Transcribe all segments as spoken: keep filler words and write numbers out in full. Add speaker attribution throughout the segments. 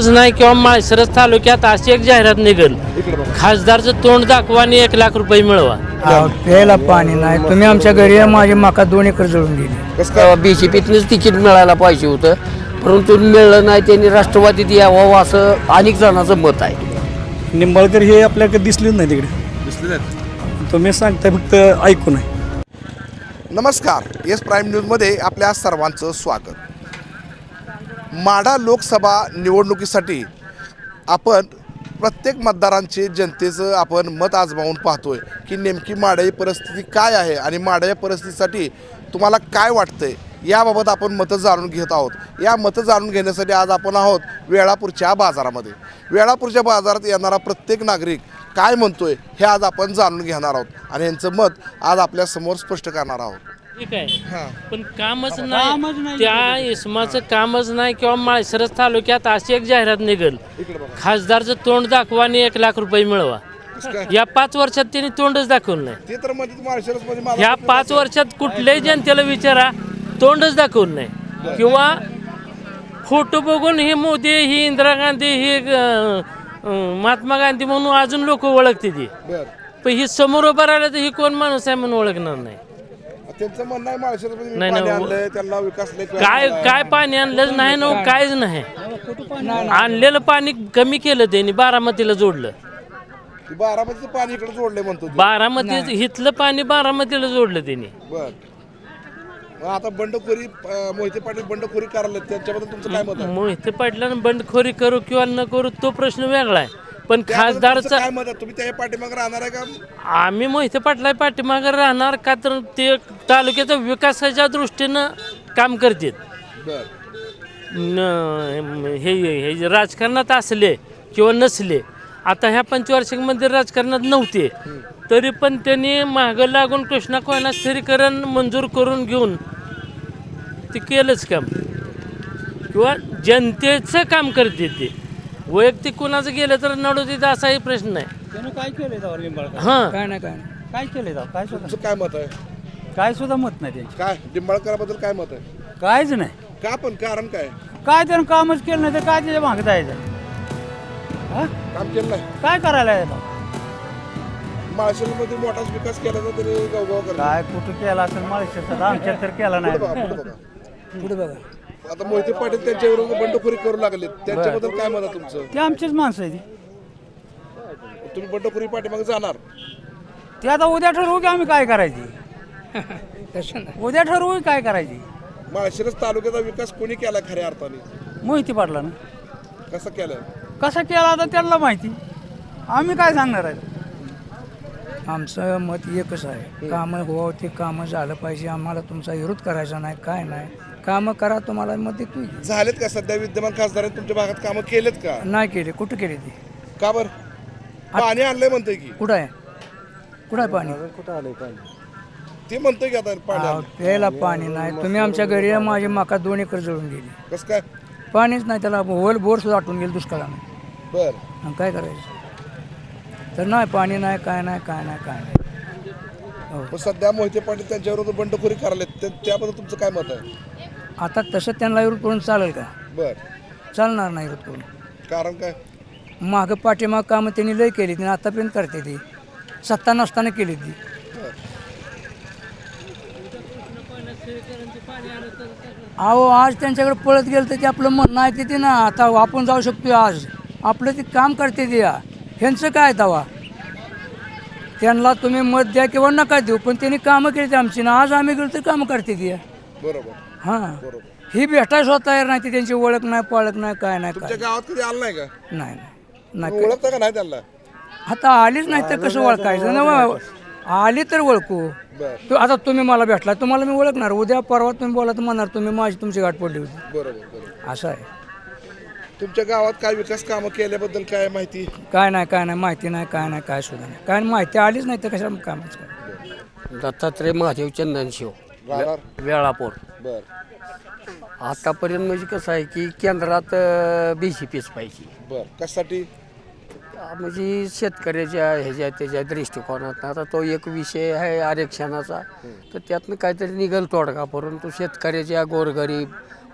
Speaker 1: कामच नाही किंवा माळशिरस तालुक्यात अशी एक जाहिरात निघेल, खासदारचं तोंड दाखवा आणि एक लाख रुपये मिळवा.
Speaker 2: प्यायला पाणी नाही. तुम्ही आमच्या घरी माझी मका दोन एकर जळून गेली.
Speaker 3: बीजेपीतनंच तिकीट मिळायला पाहिजे होतं, परंतु मिळलं नाही. त्यांनी राष्ट्रवादीत यावं असं अनेक जणांचं मत आहे.
Speaker 4: निंबाळकर हे आपल्याकडे दिसलेच नाही तिकडे. दिसले नाही तुम्ही सांगताय, फक्त ऐकू नाही.
Speaker 5: नमस्कार, एस प्राईम न्यूजमध्ये आपल्या सर्वांचं स्वागत. माढा लोकसभा निवडणुकीसाठी आपण प्रत्येक मतदारांचे जनतेचं आपण मत आजमावून पाहतोय की नेमकी माढा परिस्थिती काय आहे आणि माढा परिस्थितीसाठी तुम्हाला काय वाटतंय याबाबत आपण मतं जाणून घेत आहोत. या मतं जाणून घेण्यासाठी आज आपण आहोत वेळापूरच्या बाजारामध्ये. वेळापूरच्या बाजारात येणारा प्रत्येक नागरिक काय म्हणतोय हे आज आपण जाणून घेणार आहोत आणि यांचं मत आज आपल्या समोर स्पष्ट करणार आहोत.
Speaker 1: ठीक आहे, पण कामच नाही, त्या इसमाचं कामच नाही किंवा माळशिरस तालुक्यात अशी एक जाहिरात निघेल, खासदारचं तोंड दाखवा आणि एक लाख रुपये मिळवा. या पाच वर्षात त्यांनी तोंडच दाखवलं नाही.
Speaker 5: ते तर म्हणजे
Speaker 1: ह्या पाच वर्षात कुठल्याही जनतेला विचारा, तोंडच दाखवलं नाही. किंवा फोटो बघून ही मोदी, ही इंदिरा गांधी, ही महात्मा गांधी म्हणून अजून लोक ओळखते ती, पण ही समोर उभं राहिलं तर ही कोण माणूस आहे म्हणून ओळखणार नाही.
Speaker 5: त्यांचं म्हणणं आहे माळशिरसमध्ये
Speaker 1: नाही,
Speaker 5: पाणी
Speaker 1: नाही.
Speaker 5: आणलंय, त्यांना विकास लय
Speaker 1: काय काय पाणी आणलंच नाही ना, काहीच नाही. आणलेलं पाणी कमी केलं त्यांनी, बारामतीला जोडलं.
Speaker 5: बारामतीचं पाणी इकडे जोडलंय म्हणतो.
Speaker 1: बारामती इथलं पाणी बारामतीला जोडलं त्यांनी.
Speaker 5: बर, मग आता बंडखोरी अं, मोहिते पाटील बंडखोरी करायला त्यांच्याबद्दल तुमचं काय मत आहे?
Speaker 1: मोहिते पाटलानं बंडखोरी करू किंवा न करू तो प्रश्न वेगळा आहे, पण
Speaker 5: त्याबद्दल तुमचं
Speaker 1: खासदारचा
Speaker 5: काय मत आहे? तुम्ही त्या पाठीमागे राहणार आहे का?
Speaker 1: आम्ही मोहिते पाटला पाठीमागे राहणार का, तर ते तालुक्याच्या विकासाच्या दृष्टीनं काम करतात.
Speaker 5: बर,
Speaker 1: न हे हे जे राजकारणात असले किंवा नसले, आता ह्या पंचवार्षिकमध्ये राजकारणात नव्हते तरी पण त्यांनी मागं लागून कृष्णा कोयना स्थिरीकरण मंजूर करून घेऊन ते केलंच काम, किंवा जनतेचं काम करते ते. वैयक्तिक कोणाचं गेलं तर नडू तिथं असाही प्रश्न नाही.
Speaker 4: काय केलंय
Speaker 1: हां,
Speaker 2: काय नाही काय नाही
Speaker 4: काय केलंय काय सुद्धा
Speaker 5: तुमचं काय मत आहे?
Speaker 4: काय सुद्धा मत नाही त्यांची.
Speaker 5: काय निंबाळकराबद्दल काय मत आहे?
Speaker 4: कायच नाही.
Speaker 5: का पण कारण काय?
Speaker 4: काय त्यानं कामच केलं नाही तर काय त्याच्या मागे जायचं? हा?
Speaker 5: काम केलं नाही.
Speaker 4: काय करायला यायला?
Speaker 5: माळशिरसमध्ये मोठाच विकास केला तर तरी गावगाव करतात.
Speaker 4: काय कुठं केला असेल माळशिरसात, आमच्यात तर केला
Speaker 5: पुढे
Speaker 4: नाही.
Speaker 5: बघा, पुढे बघा.
Speaker 2: पुढे बघा.
Speaker 5: आता मोहिते पाटील त्यांच्या विरोधात बंडखोरी करू लागले, त्यांच्याबद्दल काय मत आहे तुमचं?
Speaker 4: ते आमचीच माणसं आहे ती.
Speaker 5: तुम्ही बंडखोरी पाठीमागे जाणार?
Speaker 4: ते आता उद्या ठरवू की आम्ही काय करायची.
Speaker 2: तसं नाही.
Speaker 4: उद्या ठरवू काय करायची.
Speaker 5: माळशिरस तालुक्याचा विकास कोणी केला खऱ्या अर्थाने?
Speaker 4: मोहिती पाटला ना.
Speaker 5: कसं केलाय?
Speaker 4: कसा केला आता त्यांना माहिती, आम्ही काय सांगणार आहे.
Speaker 2: आमचं मत एकच आहे, कामं हो ते कामं झालं पाहिजे. आम्हाला तुमचा विरोध करायचा नाही, काय नाही. कामं करा, तुम्हाला मत देतो.
Speaker 5: झालेत का सध्या विद्यमान खासदारांनी तुमच्या भागात कामं केलेत का?
Speaker 2: नाही केले. कुठं केले ते?
Speaker 5: का बर? पाणी आणलंय म्हणतोय की.
Speaker 2: कुठं आहे? कुठं आहे पाणी?
Speaker 5: ते म्हणतोय की आता पाणी
Speaker 2: अहो,
Speaker 5: आणलंय.
Speaker 2: प्यायला पाणी नाही. तुम्ही आमच्या घरी या, माझी मका दोन एकर जळून गेली.
Speaker 5: कसं काय?
Speaker 2: पाणीच नाही, त्याला होल बोर सुद्धा आटून गेलं दुष्काळानं.
Speaker 5: बर,
Speaker 2: मग काय करायचं? तर नाही, पाणी नाही, काय नाही, काय नाही, काय नाही.
Speaker 5: मग सध्या मोहिते पाटील त्यांच्या विरोधात बंडखोरी करायला त्याबद्दल तुमचं काय मत आहे?
Speaker 2: आता तसं त्यांना विरोध करून चालेल का?
Speaker 5: बर,
Speaker 2: चालणार नाही विरोध करून.
Speaker 5: कारण काय?
Speaker 2: मागं पाठीमाग कामं त्यांनी लय केली, त्यांनी आतापर्यंत करते ती, सत्ता नसताना केली ती. अहो, आज त्यांच्याकडे पळत गेलं तर ते आपलं म्हणणं आहे ते ना. आता आपण जाऊ शकतो आज, आपलं ते काम करते ते. या ह्यांचं काय तवा, त्यांना तुम्ही मत द्या किंवा नका देऊ, पण त्यांनी कामं केली ते आमची ना. आज आम्ही गेलो तर कामं करते ती.
Speaker 5: बरोबर,
Speaker 2: हां,
Speaker 5: बरोबर.
Speaker 2: ही भेटायला स्वतः तयार नाही, ती त्यांची ओळख नाही, पाळख नाही, काय नाही, काय
Speaker 5: तुमच्या गावात कधी आलं नाही का?
Speaker 2: नाही नाही
Speaker 5: तुम्ही
Speaker 2: नाही.
Speaker 5: ओळखता का नाही त्यांना?
Speaker 2: आता आलीच नाही तर कसं ओळखायचं ना? आली तर ओळखू.
Speaker 5: बर,
Speaker 2: तू आता तुम्ही मला भेटला, तुम्हाला मी ओळखणार. उद्या परवा तुम्ही बोला तर म्हणणार तुम्ही माझी तुमची गाठ पडली होती.
Speaker 5: बरोबर, बरोबर.
Speaker 2: असं आहे.
Speaker 5: तुमच्या गावात काय विकास कामं केल्याबद्दल काय माहिती?
Speaker 2: काय नाही, काय नाही, माहिती नाही, काय नाही, काय सुद्धा नाही. काय माहिती आलीच नाही तर कशा कामाचं काय?
Speaker 3: दत्तात्रय महादेव चंदनशिव,
Speaker 5: राहणार?
Speaker 3: वेळापूर.
Speaker 5: बर,
Speaker 3: आतापर्यंत म्हणजे कसं आहे की केंद्रात बी जे पीच पाहिजे.
Speaker 5: बर. कशासाठी?
Speaker 3: म्हणजे शेतकऱ्याच्या ह्याच्या त्याच्या दृष्टिकोनात आता तो एक विषय आहे आरक्षणाचा, तर त्यातनं काहीतरी निघेल तोडगा, परंतु शेतकऱ्याच्या गोरगरीब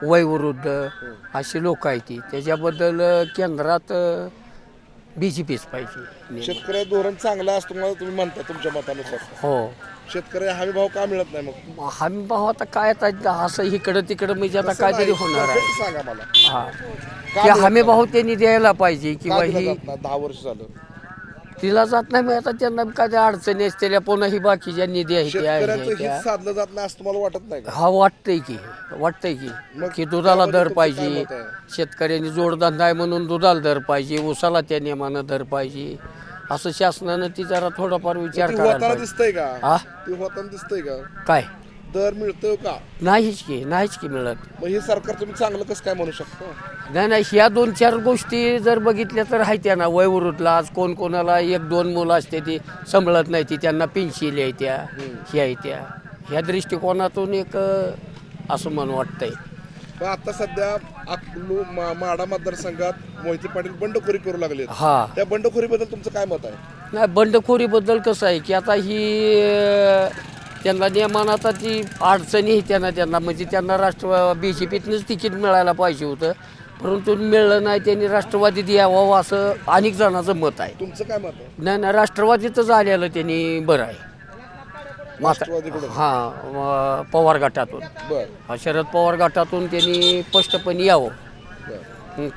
Speaker 3: वयवृद्ध अशी लोक आहेत ती त्याच्याबद्दल केंद्रात बी जे पीच पाहिजे.
Speaker 5: शेतकरी धोरण चांगलं असतं मला तुम्ही म्हणता तुमच्या मतानुसार.
Speaker 3: हो
Speaker 5: शेतकरी हमी भाव का मिळत नाही मग?
Speaker 3: हमी भाव आता काय आता असं इकडं तिकडं म्हणजे आता
Speaker 5: तसं
Speaker 3: काहीतरी
Speaker 5: नाही,
Speaker 3: होणार आहे.
Speaker 5: perfect सांगा मला.
Speaker 3: हा
Speaker 5: का
Speaker 3: की
Speaker 5: मिळत
Speaker 3: हमी
Speaker 5: नाही?
Speaker 3: भाव त्यांनी द्यायला पाहिजे
Speaker 5: का
Speaker 3: किंवा
Speaker 5: दिला
Speaker 3: ही
Speaker 5: जात नाही? दहा वर्ष झालं
Speaker 3: तिला जात नाही मग आता त्यांना काय त्या अडचणी असलेल्या पुन्हा ही बाकीच्या निधी आहेत त्या
Speaker 5: शेतकऱ्यांचं
Speaker 3: आहेत त्या.
Speaker 5: हित साधलं जात नाही असं तुम्हाला वाटत नाही का?
Speaker 3: हा वाटतंय की वाटतंय की
Speaker 5: मग
Speaker 3: की दुधाला
Speaker 5: त्यामध्ये
Speaker 3: दर
Speaker 5: तुमचं काय
Speaker 3: पाहिजे
Speaker 5: मत आहे?
Speaker 3: शेतकऱ्यांनी जोडधंदा आहे म्हणून दुधाला दर पाहिजे ऊसाला त्या नियमानं दर पाहिजे असं शासनानं ती जरा थोडाफार विचार
Speaker 5: ती
Speaker 3: करायला
Speaker 5: होताना
Speaker 3: पाहिजे.
Speaker 5: दिसतंय का?
Speaker 3: हा
Speaker 5: ती होताना दिसतंय का?
Speaker 3: काय
Speaker 5: दर मिळतोय का?
Speaker 3: नाहीच की नाहीच की मिळत.
Speaker 5: मग हे सरकार तुम्ही चांगलं कसं काय म्हणू शकता?
Speaker 3: नाही नाही ह्या दोन चार गोष्टी जर बघितल्या तर आहेत त्या ना वयवृद्धला आज कोण कोणाला एक दोन मुलं असते ती सांभाळत नाही ती त्यांना पेन्शिल आहे त्या ह्या आहे त्या ह्या दृष्टिकोनातून एक अं, असं म्हणून वाटतंय.
Speaker 5: पण आता सध्या अकलू मा- माढा मतदारसंघात मोहिते पाटील बंडखोरी करू लागले.
Speaker 3: हा
Speaker 5: त्या बंडखोरीबद्दल तुमचं काय मत आहे?
Speaker 3: नाही बंडखोरीबद्दल कसं आहे की आता ही अं, त्यांना नियमान आता ती अडचणी आहे त्यांना त्यांना म्हणजे त्यांना राष्ट्र बी जे पीतनंच तिकीट मिळायला पाहिजे होतं परंतु मिळलं नाही त्यांनी राष्ट्रवादीत यावं असं अनेक जणांचं मत आहे.
Speaker 5: तुमचं काय मत आहे?
Speaker 3: नाही नाही राष्ट्रवादीतच आलेलं त्यांनी बरं आहे.
Speaker 5: राष्ट्रवादीकडून
Speaker 3: हां पवार गटातून
Speaker 5: बर
Speaker 3: हा, शरद पवार गटातून त्यांनी स्पष्टपणे यावं.
Speaker 5: बर
Speaker 3: हं.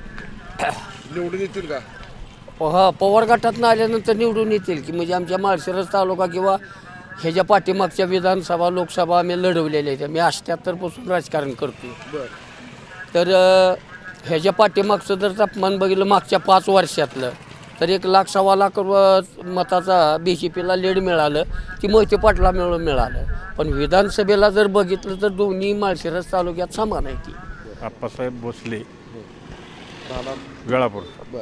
Speaker 5: निवडून येतील का?
Speaker 3: हा पवार गटातून आल्यानंतर निवडून येतील की म्हणजे आमच्या माळशिरस तालुका किंवा ह्याच्या पाठीमागच्या विधानसभा लोकसभा आम्ही लढवलेल्या आहेत. मी अठ्ठ्याहत्तरपासून राजकारण करतो.
Speaker 5: बर
Speaker 3: तर अ, ह्याच्या पाठीमागचं जर तापमान बघितलं मागच्या पाच वर्षातलं तर एक लाख सव्वा लाख व- मताचा बी जे पीला लीड मिळालं ती मोहिते पाटला मिळून मिळालं. पण विधानसभेला जर बघितलं तर दोन्ही माळशिरस तालुक्यात समान आहे ती.
Speaker 6: आप्पासाहेब भोसले
Speaker 5: राहणार
Speaker 6: वेळापूर.
Speaker 5: बर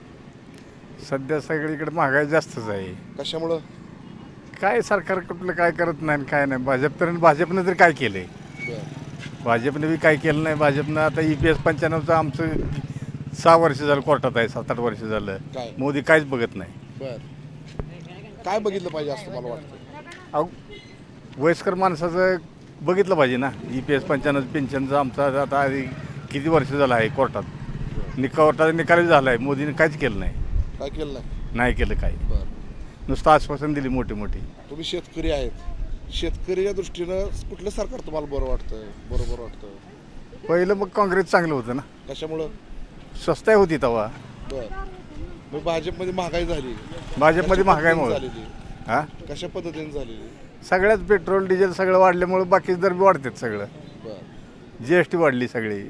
Speaker 6: सध्या सगळीकडे महागाई जास्तच आहे.
Speaker 5: कशामुळं?
Speaker 6: काय सरकार कुठलं काय करत नाही आणि काय नाही. भाजप तर भाजपनं तरी काय केलं आहे?
Speaker 5: बर
Speaker 6: भाजपनं बी काय केलं नाही. भाजपनं आता ई पी एस पंच्याण्णवचं आमचं सहा वर्ष झालं कोर्टात आहे सात आठ वर्ष झालं.
Speaker 5: काय?
Speaker 6: मोदी काहीच बघत नाही.
Speaker 5: बर काय बघितलं पाहिजे असं मला वाटतं?
Speaker 6: अहो वयस्कर माणसाचं बघितलं पाहिजे ना. ई पी एस पंच्याण्णव पेन्शनचं आमचं आता आधी किती वर्ष झालं आहे कोर्टात. निका कोर्टाचा निकाल झाला आहे. मोदीने काहीच केलं नाही.
Speaker 5: काय केलं नाही?
Speaker 6: नाही केलं काही.
Speaker 5: बर
Speaker 6: नुसतं आश्वासन दिली मोठी मोठी.
Speaker 5: तुम्ही शेतकरी आहेत. शेतकरीच्या दृष्टीनं कुठलं सरकार तुम्हाला बरं वाटतं? बरोबर वाटतं?
Speaker 6: पहिलं मग काँग्रेस चांगलं होतं ना.
Speaker 5: कशामुळं?
Speaker 6: स्वस्ताही होती तेव्हा.
Speaker 5: बर मग भाजपमध्ये महागाई झाली.
Speaker 6: भाजपमध्ये
Speaker 5: कशा
Speaker 6: महागाई
Speaker 5: पद्धतीने
Speaker 6: मुळे
Speaker 5: झालेली?
Speaker 6: हा
Speaker 5: कशा पद्धतीने झालेली?
Speaker 6: सगळ्याच पेट्रोल डिझेल सगळं वाढल्यामुळे बाकीचे दर बी वाढतात. सगळं
Speaker 5: बर
Speaker 6: जी एस टी वाढली सगळी.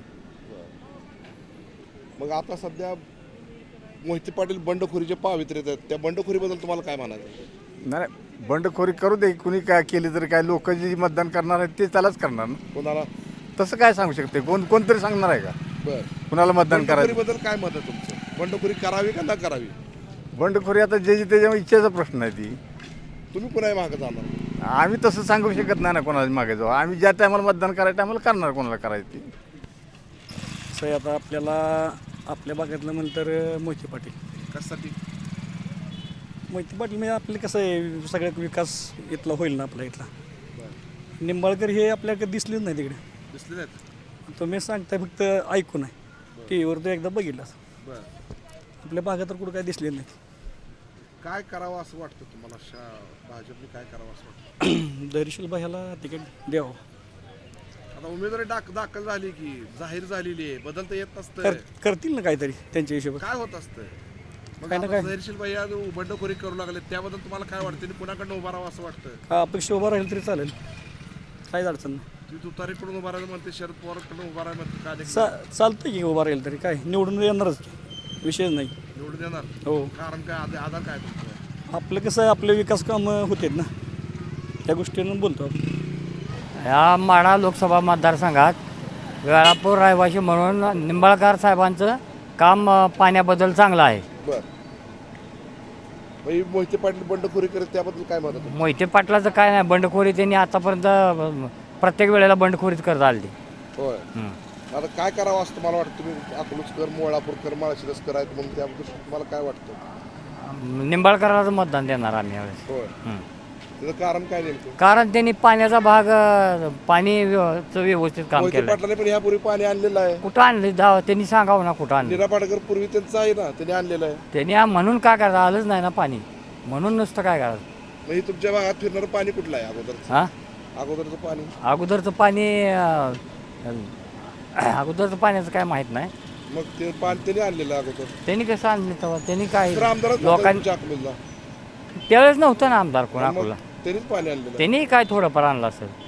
Speaker 5: मग आता सध्या मोहिते पाटील बंडखोरीचे पावित्र्य आहेत. त्या बंडखोरीबद्दल तुम्हाला काय म्हणायचं?
Speaker 6: नाही बंडखोरी करू दे. कुणी काय केली तरी काय लोक जे मतदान करणार आहेत ते त्यालाच करणार ना.
Speaker 5: कोणाला?
Speaker 6: तसं काय सांगू शकते कोण कोणतरी सांगणार आहे का
Speaker 5: बर
Speaker 6: कुणाला मतदान करायचं?
Speaker 5: बंडखोरीबद्दल काय मत आहे तुमचं? बंडखोरी करावी का न करावी?
Speaker 6: बंडखोरी आता जे जे त्याच्या इच्छेचा प्रश्न आहे ती.
Speaker 5: तुम्ही कुणाही मागं जाणार?
Speaker 6: आम्ही तसं सांगू शकत नाही ना कोणाला मागे जाऊ. आम्ही ज्या टायमाला मतदान करायचं आम्हाला करणार कोणाला करायचं ती.
Speaker 4: असं आहे आता आपल्याला आपल्या भागातलं म्हणलं तर मोहिते पाटील.
Speaker 5: कशासाठी?
Speaker 4: मोहिते पाटील म्हणजे आपले कसं आहे सगळ्यात विकास इथला होईल ना आपल्या इथला. निंबाळकर हे आपल्याकडे दिसलेच नाही तिकडे.
Speaker 5: दिसले नाहीत?
Speaker 4: तुम्ही सांगताय फक्त ऐकून आहे. टी व्हीवर तो एकदा बघितला.
Speaker 5: बर
Speaker 4: आपल्या भागात तर कुठं काय दिसले नाही.
Speaker 5: काय करावं असं वाटतं तुम्हाला? शा भाजपने काय करावं असं वाटतं?
Speaker 4: धैर्यशील भाईला तिकीट द्यावं.
Speaker 5: आता उमेदवारी दाख दाखल झाली की जाहीर झालेली आहे. बदलता येत नसतं.
Speaker 4: कर करतील ना काहीतरी त्यांच्या हिशोबात.
Speaker 5: काय होत असतं? मग
Speaker 4: काय ना
Speaker 5: आता
Speaker 4: काय.
Speaker 5: धैर्यशील भाई आज बंडखोरी करू लागले त्याबद्दल तुम्हाला काय वाटतं? आणि पुण्याकडनं उभा राहावं असं वाटतं?
Speaker 4: हा अपेक्षा उभा राहील तरी चालेल. काहीच अडचण नाही.
Speaker 5: ती तुतारीकडून उभा राहायला म्हणते, शरद पवारकडून उभा राहायला म्हणते. काय
Speaker 4: चा चालतं की उभा राहील तरी काय निवडून येणारच विषयच नाही.
Speaker 5: निवडून येणार?
Speaker 4: हो
Speaker 5: कारण काय आध- आधार काय तुमचं?
Speaker 4: आपलं कसं आहे आपले विकास कामं होतात ना त्या गोष्टीनं बोलतो आपण.
Speaker 7: या माढा लोकसभा मतदारसंघात वेळापूर रहिवासी म्हणून निंबाळकर साहेबांचं काम अ, पाण्याबद्दल चांगलं आहे.
Speaker 5: बर भाई मोहिते पाटील बंडखोरी करत त्याबद्दल काय मत आहे?
Speaker 7: मोहिते पाटलाचं काय नाही बंडखोरी त्यांनी आतापर्यंत अ, प्रत्येक वेळेला बंडखोरीच करत आली.
Speaker 5: होय आता काय करावं असं तुम्हाला वाटतं? तुम्ही अकलूजकर मोळापूरकर माळशिरसकर आहेत म्हणून त्याबद्दल तुम्हाला काय वाटतं?
Speaker 7: निंबाळकराचं मतदान देणार आम्ही यावेळेस.
Speaker 5: होय
Speaker 7: हं.
Speaker 5: त्याचं कारण काय नेमकं?
Speaker 7: कारण त्यांनी पाण्याचा भाग अं, पाणी व्य- चं व्यवस्थित काम
Speaker 5: मोहिते
Speaker 7: केलं.
Speaker 5: पाटलाने पण ह्यापूर्वी पाणी आणलेलं आहे.
Speaker 7: कुठं आणले दा त्यांनी सांगावं ना कुठं आणलं.
Speaker 5: नीरा पाटकर पूर्वी त्यांचं आहे ना, त्यांनी आणलेलं आहे.
Speaker 7: त्यांनी आ- म्हणून काय करायचं, आलंच नाही ना पाणी, म्हणून नुसतं काय करायचं.
Speaker 5: मग हे तुमच्या भागात फिरणारं पाणी कुठलं आहे अगोदरचं?
Speaker 7: हां
Speaker 5: अगोदरचं पाणी
Speaker 7: अगोदरचं पाणी अं, अगोदरचं पाण्याचं काय माहीत नाही.
Speaker 5: मग ते पाणी त्यांनी आणलेलं आहे अगोदर.
Speaker 7: त्यांनी कसं आणलं तेव्हा त्यांनी काय
Speaker 5: तर आमदारच
Speaker 7: लोकांनी
Speaker 5: तुमच्या अकलूजला.
Speaker 7: त्यावेळेस नव्हतं ना आमदार कोण
Speaker 5: मग
Speaker 7: अकोला,
Speaker 5: त्यांनीच पाणी आणलेलं आहे.
Speaker 7: त्यांनी काय थोडंफार आणलं असेल.